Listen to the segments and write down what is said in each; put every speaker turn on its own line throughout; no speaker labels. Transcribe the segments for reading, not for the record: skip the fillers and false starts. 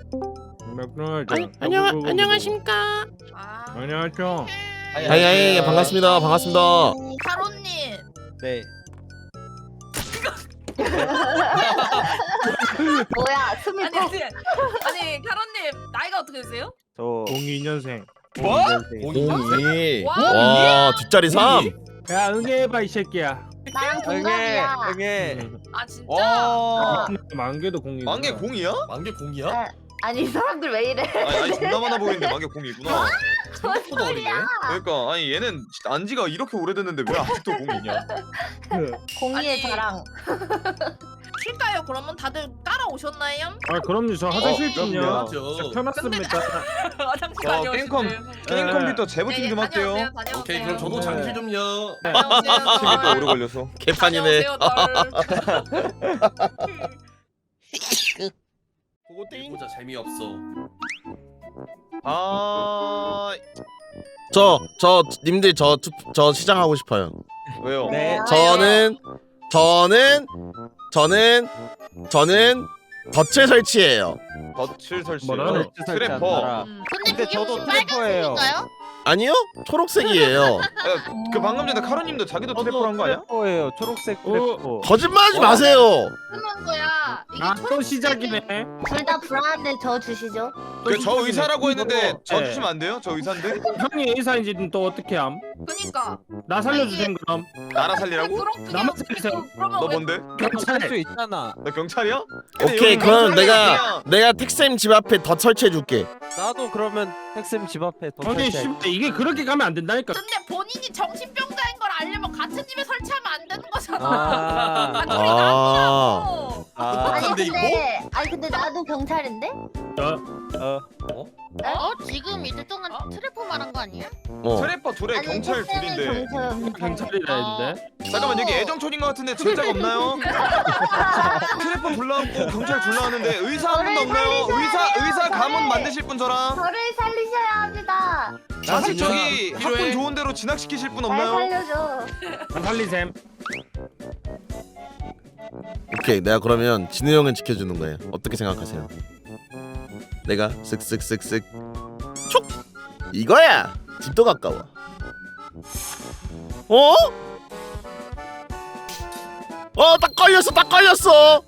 안녕하십니까.
안녕하세요.
아이 반갑습니다. 반갑습니다.
타로님.
네.
뭐야 숨이
아니 타로님 나이가 어떻게 되세요?
저 02년생.
뭐?
02.
와,
와 뒷자리 3.
야 응애해봐 이 새끼야.
나랑 동갑이야.
응애.
아 진짜?
와.
만개도 02.
만개 공이야?
만개 공이야?
아니 이 사람들 왜 이래?
아니 존나 많아 보이는데 만개 공이구나.
생각보다 어리네.
그러니까 아니 얘는 진짜 안지가 이렇게 오래됐는데 왜 아직도 공이냐?
공의의
아니.
자랑.
쉴까요? 그러면 다들 따라오셨나요?
아 그럼요. 저 화장실 좀요.
그럼요.
켜놨습니다.
화장실
저
다녀오시네요.
게임 컴퓨터 재부팅 좀 할게요.
다녀오세요.
오케이 그럼 저도
네.
장실 좀요.
재밌다 오래 걸려서.
개판이네.
그거 띵.
보자 재미없어.
아
저 님들 저 시장하고 싶어요.
왜요?
네.
저는 덫을 설치해요.
덫을 설치.
뭐라?
트래퍼.
근데
저도 트래퍼예요.
아니요? 초록색이에요.
그 방금 전에 카로님도 자기도 트래퍼를 한 거 아니야?
트래퍼예요. 초록색 트래퍼.
거짓말하지 마세요.
그런 거야. 이게
아또 시작이네.
둘 다 불안한데 저 주시죠.
저 의사라고 했는데 저 주시면 안 돼요? 저 의사인데?
형이 의사인지는 또 어떻게 함?
그니까.
나 살려주세요 그럼.
나라 살리라고?
나만 살리세요.
너 뭔데?
경찰 수 있잖아.
너 경찰이야?
오케이 그럼 내가 택쌤 집 앞에 덫 설치해 줄게.
나도 그러면 택쌤 집 앞에 더
아니 씨, 이게 그렇게 가면 안 된다니까.
근데 본인이 정신병자인 걸 알려면 같은 집에 설치하면 안 되는 거잖아.
아,
아.
근데 이거?
근데 나도 경찰인데?
지금 이제 동안 트래퍼 말한 거 아니야?
트래퍼 둘에 경찰 둘인데.
경찰이라 했는데.
잠깐만 여기 애정촌인 것 같은데 진짜가 없나요? 트래퍼 둘러앉고 경찰 둘러앉는데 의사 한 분도 없나요? 의사 가문 만드실 분 저랑
저를 살리셔야 합니다.
자식 저기
필요해?
학군 좋은 데로 진학시키실 분
날
없나요?
살려줘.
살리셈.
오케이 내가 그러면 진우 형은 지켜주는 거예요. 어떻게 생각하세요? 내가 쓱쓱쓱쓱 촉 이거야. 집도 가까워. 딱 걸렸어.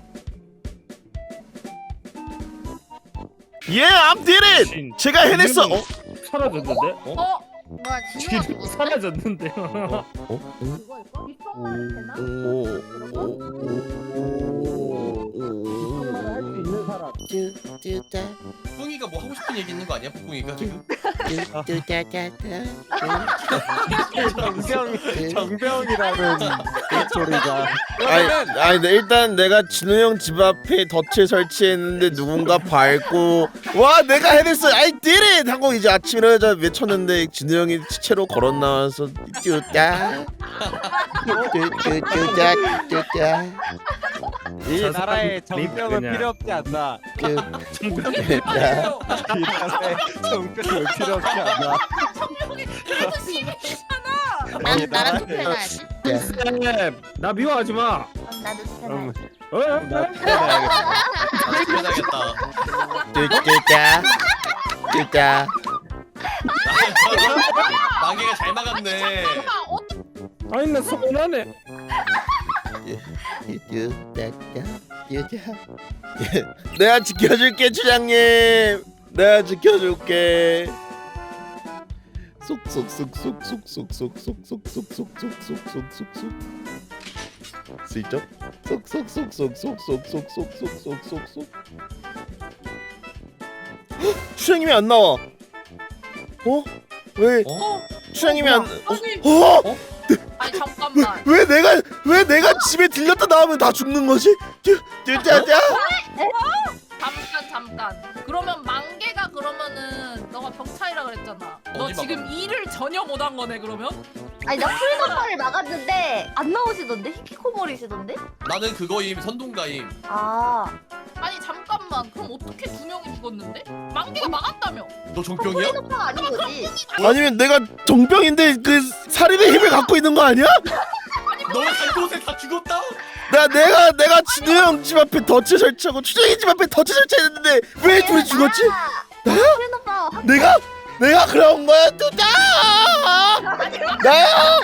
I'm did it. 제가 해냈어.
사라졌는데?
뭐야 진우가
지금 사라졌는데요.
뿡이가 뭐 하고 싶은 얘기 있는 거 아니야? 뿡이가 지금?
정병이라는 소리가.
아니 일단 내가 진우 형 집 앞에 덫을 설치했는데 누군가 밟고 와 내가 해냈어 I did it 하고 이제 아침 일어나자 외쳤는데 진우 형이 시체로 걸어 나와서 뚜따 뚜따
이 나라에 정병은
그냥.
필요 없지 않나.
뚜따
이 나라에 정병은 필요 없지 않나.
청룡이 그래도 시민이잖아.
난 나랑 투표해놔야지.
쌤, 나 미워하지 마.
나도 스탠.
나 투표해야겠다.
그래야겠다.
뚜따 뚜따
만개가 잘 막았네.
아니 나 서운하네.
내가 지켜줄게 주장님. 내가 지켜줄게. 쏙쏙쏙쏙쏙쏙쏙쏙쏙쏙쏙쏙쏙쏙쏙쏙쏙 슬쩍 쏙쏙쏙쏙쏙쏙쏙쏙쏙쏙쏙 추장님이 안 나와. 왜? 추장님이 안?
아니 잠깐만.
왜 내가 집에 들렸다 나오면 다 죽는 거지? 뚜뚜뚜
잠깐. 그러면 만개가 그러면은 너가 경찰이라 그랬잖아. 너
어디
지금 일을 전혀 못한 거네 그러면?
아니 나 프리덤퍼를 막았는데 안 나오시던데? 히키코모리시던데?
나는 그거임 선동가임.
아니 잠깐만. 그럼 어떻게 두 명이 죽었는데? 만개가 막았다며.
너 종병이야?
프리덤퍼가 아닌 거지.
아니면 내가 정병인데 그 살인의 힘을 갖고 있는 거 아니야?
너는 간 곳에 다 죽었다?
내가 진우 형 집 앞에 덫을 설치하고 추정이 집 앞에 덫을 설치했는데 왜 둘이 죽었지?
혜린 오빠
내가 그런 거야 뚜자. 나야.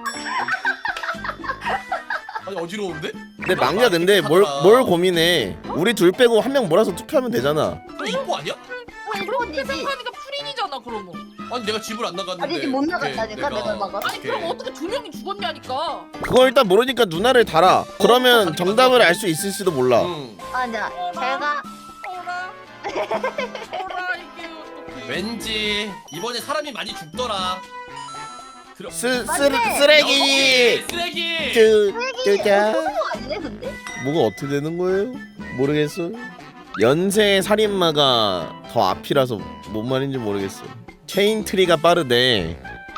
아니 어지러운데?
근데 막내야 근데 뭘 고민해? 우리 둘 빼고 한 명 몰아서 투표하면 되잖아.
너 인포 아니야?
그런
그렇게
거지.
생각하니까 프린이잖아 그러면.
아니 내가 집을 안 나갔는데
아니지 못 나갔다니까
내가
내가 막아.
아니 그럼 어떻게 두 명이 죽었냐니까.
그거 일단 모르니까 누나를 달아. 그러면 정답을 알 수 있을지도 몰라.
응.
아니야 제가
어라. 어라 이게 어떡해.
왠지 이번에 사람이 많이 죽더라.
쓰레기.
쓰레기.
뚜자.
소수 아니네 근데?
뭐가 어떻게 되는 거예요? 모르겠어. 연쇄 살인마가 더 앞이라서 뭔 말인지 모르겠어. 체인 트리가 빠르대.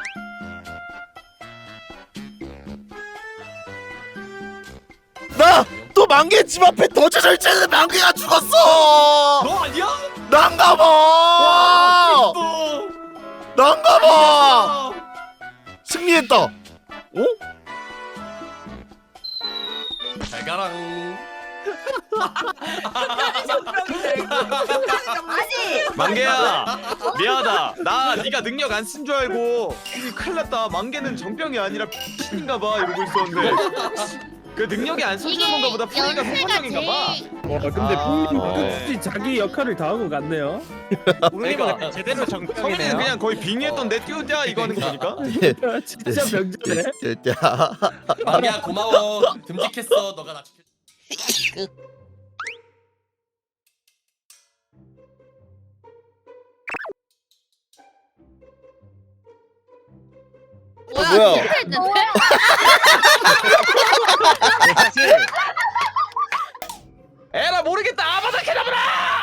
나 또 만개 집 앞에 덫을 설치했는데 만개가 죽었어.
너 아니야?
난가 봐. 난가 봐. 승리했다. 어?
잘 가랑.
아니
만개야 미안하다. 나 네가 능력 안 쓴 줄 알고 큰일 났다. 만개는 정병이 아니라 X인가 봐 이러고 있었는데 그 능력이 안 써주는 건가 보다. 푸니가
연세가
성판형인가 봐.
제일
와 근데 뿡님
네.
끝이 자기 역할을 다 하고 갔네요.
그러니까 제대로
성민이는
정병이네요.
그냥 거의 빙의했던 내 띄우자 이거 하는 거 보니까.
진짜 병자네.
뚜자.
만기야 고마워. 듬직했어. 너가 나 지켜.
뭐야?
실패했는데?
사실
에라 모르겠다. 아바다 캐나브라.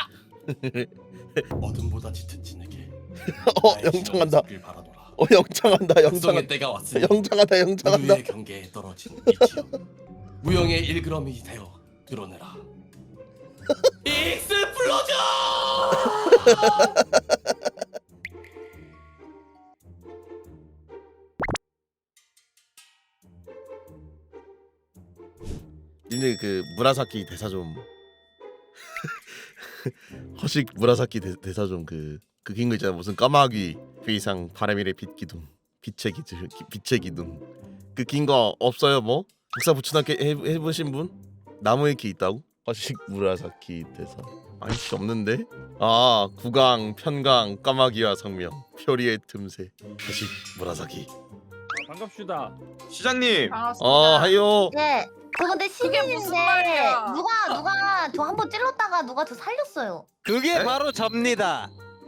어둠보다 짙은 진에게.
영창한다.
바라노라.
영창한다.
성의
영창한다.
때가 왔으니
영창한다. 영창한다.
우리의 경계에 떨어진 이치요. 무용의 일그러미 되어 드러내라. 익스플로전!
님들 그 무라사키 대사 좀 허식 무라사키 대사 좀 그 긴 거 있잖아. 무슨 까마귀 회상 바람이래 빛기둥 빛의 기둥 그 긴 거 없어요 뭐? 국사 부천학교 해보신 분? 나무에 키 있다고? 허식 무라사키 대사 아니씨 없는데? 아 구강 편강 까마귀와 성명 표리의 틈새 허식 무라사키
반갑습니다.
시장님.
하요
네. 근데
그게 무슨
시민인데
말이야?
누가 저 한 번 찔렀다가 누가 저 살렸어요.
그게
네?
바로 접니다.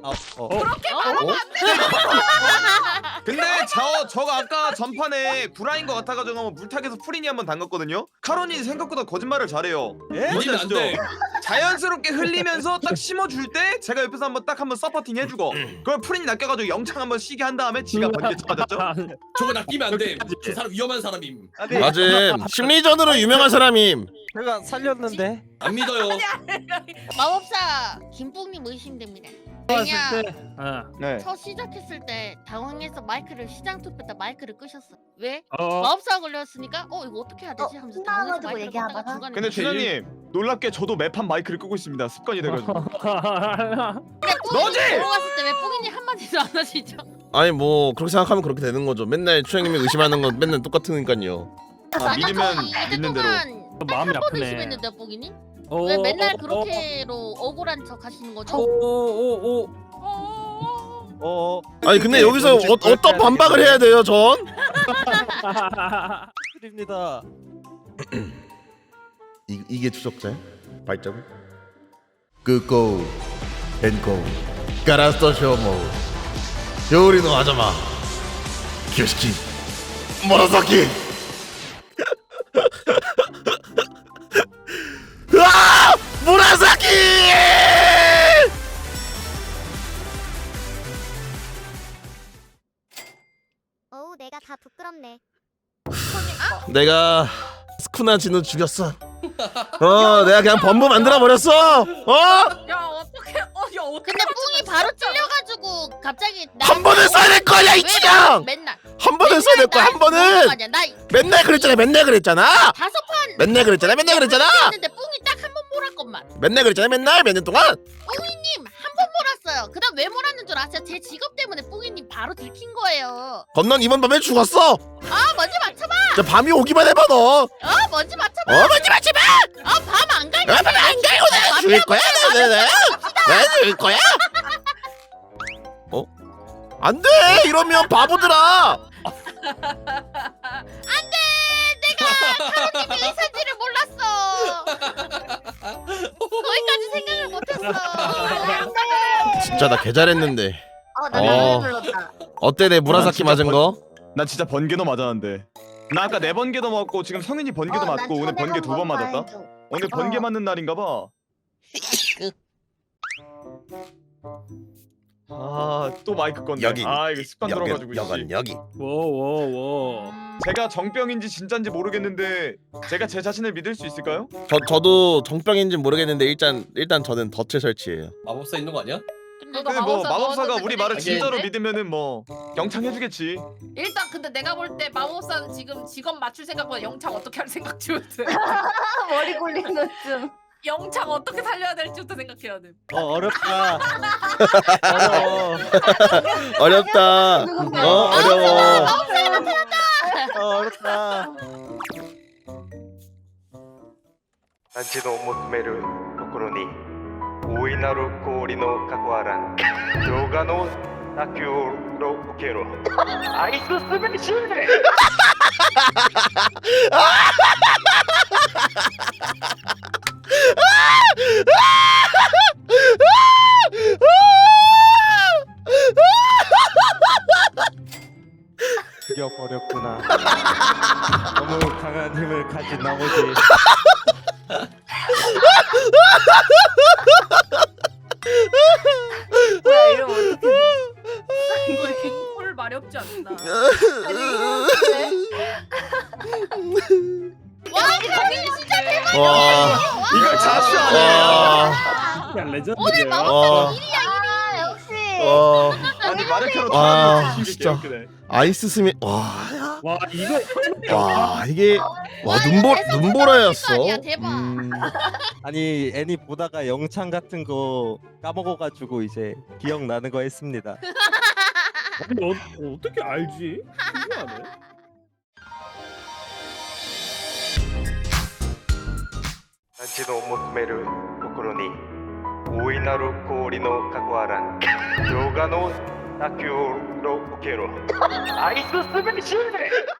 근데 저가 아까 전판에 구라인 것 같아가지고 한번 물타기에서 프린이 한번 담갔거든요. 카론이 생각보다 거짓말을 잘해요.
예?
이기면 안 돼.
자연스럽게 흘리면서 딱 심어줄 때 제가 옆에서 한번 서포팅 해주고 그럼 프린이 낚여가지고 영창 한번 쉬게 한 다음에 지가 번개 맞았죠?
저거 낚이면 안 돼. 저 사람 위험한 사람임.
아니
맞음 심리전으로 유명한 사람임
제가 살렸는데.
안 믿어요.
마법사 김뿡님 의심됩니다. 왜냐
네.
첫 시작했을 때 당황해서 마이크를 시장 투표 때 마이크를 끄셨어. 왜?
어.
마법사 걸렸으니까 이거 어떻게 해야 되지? 하면서 당황해서
신나가지고
마이크를
얘기하다가.
껐다가 중간에
근데 주장님 놀랍게 저도 매판 마이크를 끄고 있습니다. 습관이 돼가지고.
근데 뿡이
너지?
들어갔을 때 왜 뿡이님 한마디도 안 하시죠?
아니 뭐 그렇게 생각하면 그렇게 되는 거죠. 맨날 추장님이 의심하는 건 맨날 똑같으니까요.
아, 믿으면
이제
믿는 대로.
마음이
한번
아프네.
의심했는데 뿡이님? 왜 맨날 그렇게로 억울한 척 하시는 거죠?
오오오
아니 근데 여기서 어떤 반박을 해야 돼요, 전?
드립니다.
이게 추적자야? 발자국? 끄고 헨고 가라스토 쇼모 요리노 하자마 교시키 모노사키 으아! 모노사키!
어우 내가 다 부끄럽네.
내가 스쿠나 진우 죽였어. 내가 그냥 범부 만들어 버렸어.
야 어떡해. 야 어떡해.
근데 뿡이 바로 찔려가지고 갑자기
한 번은 써야 될 거야, 이
왜
치장.
맨날
한 번은 써야 될 거야, 한 번은.
아니야 나
맨날 그랬잖아.
다섯 판
맨날 그랬잖아.
했는데 뿡이 딱 한 번 몰았건만.
맨날 그랬잖아. 맨날 몇 년 동안.
뿡이님 한 번 몰았어요. 그다음 왜 몰았는 줄 아세요? 제 직업 때문에 뿡이님 바로 들킨 거예요.
건넌 이번 밤에 죽었어.
아 먼저 맞춰봐.
자, 밤이 오기만 해봐 너.
먼저 맞춰봐.
먼저 맞춰봐.
밤 안 갈게.
밤 안 갈고 내가 죽일 거야. 내가 죽일 거야. 안돼 이러면 바보들아.
안돼. 내가 타로님 의사지를 몰랐어. 거기까지 생각을 못했어.
진짜 나 개 잘했는데.
나
어.
노래 불렀다.
어때 내 무라사키
난 진짜
맞은 거?
나 진짜 번개도 맞았는데. 나 아까 4번개도 맞고 지금 성윤이 번개도
나
맞고 오늘
초대
번개 2번
한번
맞았다.
해줘.
오늘 번개 맞는 날인가 봐. 아, 또 마이크 건데.
여긴.
아, 이거 습관 들어가지고 이씨.
여기.
워워워.
제가 정병인지 진짠지 모르겠는데 제가 제 자신을 믿을 수 있을까요?
저도 정병인지 모르겠는데 일단 저는 덫을 설치해요.
마법사 있는 거 아니야?
근데
근데 뭐 마법사가
넣었는데
우리 말을
근데
진짜로
이게
믿으면은 뭐 영창해주겠지.
일단 근데 내가 볼 때 마법사는 지금 직업 맞출 생각보다 영창 어떻게 할 생각 중이거든.
머리 굴리는 중.
영창 어떻게 살려야 될지부터 생각해야 돼.
어렵다. 어려워.
어렵다. 어려워.
어렵다.
団地の求めるところに大いなる氷のかこわらん動画の打球を受けろアイススペシール
죽여버렸구나. 너무 강한 힘을 가진 나머지
뭐야 이러면 어떡해.
이거 갱콜 마렵지 않나?
와 성윤이 진짜 대박.
와.
이걸 자수하네.
와.
그냥
오늘
레전드네요.
마법사
와.
1위야 1위.
역시.
와.
아니 마르케로
와,
타는
진짜.
진짜.
아이스 스미. 와.
와 이거
와 이게 와
이거
눈보라였어.
아니야, 대박.
아니 애니 보다가 영창 같은 거 까먹어가지고 이제 기억나는 거 했습니다.
어떻게 알지? 신기하네.
団地の求めるところに大いなる氷のかこわらん動画の打球を受けろアイススペシール